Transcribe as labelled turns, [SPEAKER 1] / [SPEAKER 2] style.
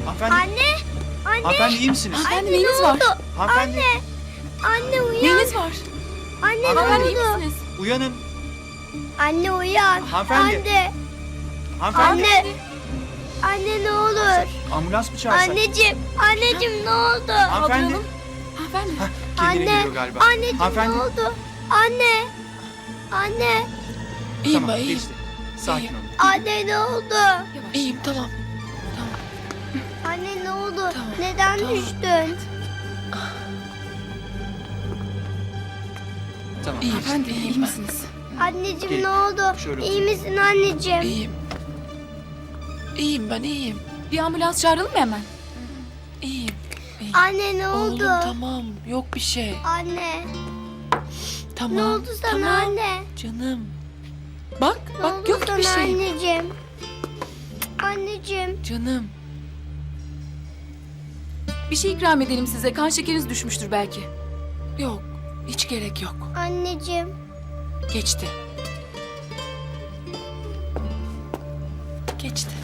[SPEAKER 1] Hanımefendi,
[SPEAKER 2] Anne. Anne.
[SPEAKER 1] hanımefendi iyi misiniz?
[SPEAKER 3] Hanımefendi
[SPEAKER 2] Anne,
[SPEAKER 3] neyiniz
[SPEAKER 2] ne
[SPEAKER 3] var?
[SPEAKER 2] oldu?
[SPEAKER 1] Hanımefendi,
[SPEAKER 2] Anne uyan.
[SPEAKER 3] Neyiniz var?
[SPEAKER 2] Anne ne
[SPEAKER 3] Hanımefendi iyi
[SPEAKER 2] oldu?
[SPEAKER 3] misiniz?
[SPEAKER 1] uyanın.
[SPEAKER 2] Anne uyan.
[SPEAKER 1] Hanımefendi.
[SPEAKER 2] Anne.
[SPEAKER 1] Hanımefendi,
[SPEAKER 2] Anne. Anne ne olur.
[SPEAKER 1] ambulans mı çağırsak?
[SPEAKER 2] Anneciğim. Anneciğim ne oldu?
[SPEAKER 1] Hanımefendi,
[SPEAKER 3] Kaldıralım. Hanımefendi.
[SPEAKER 1] kendine
[SPEAKER 2] Anne.
[SPEAKER 1] geliyor galiba.
[SPEAKER 2] Anneciğim ne
[SPEAKER 1] Hanımefendi.
[SPEAKER 2] oldu? Anne. Anne.
[SPEAKER 3] İyiyim
[SPEAKER 1] Tamam,
[SPEAKER 3] ben iyiyim.
[SPEAKER 1] geçti. Sakin
[SPEAKER 3] İyiyim.
[SPEAKER 1] olun.
[SPEAKER 2] Anne ne oldu?
[SPEAKER 3] Yavaş. İyiyim tamam.
[SPEAKER 2] Anne ne oldu?
[SPEAKER 3] Tamam,
[SPEAKER 2] Neden
[SPEAKER 3] tamam.
[SPEAKER 2] düştün?
[SPEAKER 1] Tamam.
[SPEAKER 3] İyiyim.
[SPEAKER 1] geçti.
[SPEAKER 3] Hanımefendi iyi misiniz?
[SPEAKER 2] Anneciğim
[SPEAKER 1] Gelin.
[SPEAKER 2] ne oldu?
[SPEAKER 1] Şöyle
[SPEAKER 2] İyi
[SPEAKER 1] oturun.
[SPEAKER 2] misin anneciğim?
[SPEAKER 3] İyiyim. İyiyim ben iyiyim.
[SPEAKER 4] Bir ambulans çağıralım mı hemen?
[SPEAKER 3] İyiyim. İyiyim.
[SPEAKER 2] Anne ne oldu?
[SPEAKER 3] Oğlum tamam yok bir şey.
[SPEAKER 2] Anne.
[SPEAKER 3] Tamam.
[SPEAKER 2] Ne oldu sana
[SPEAKER 3] tamam.
[SPEAKER 2] anne?
[SPEAKER 3] Canım. Bak
[SPEAKER 2] Ne
[SPEAKER 3] bak
[SPEAKER 2] oldu
[SPEAKER 3] yok
[SPEAKER 2] sana
[SPEAKER 3] bir şey.
[SPEAKER 2] anneciğim? Anneciğim.
[SPEAKER 3] Canım.
[SPEAKER 4] Bir şey ikram edelim size. Kan şekeriniz düşmüştür belki.
[SPEAKER 3] Yok. Hiç gerek yok.
[SPEAKER 2] Anneciğim.
[SPEAKER 3] Geçti. Geçti.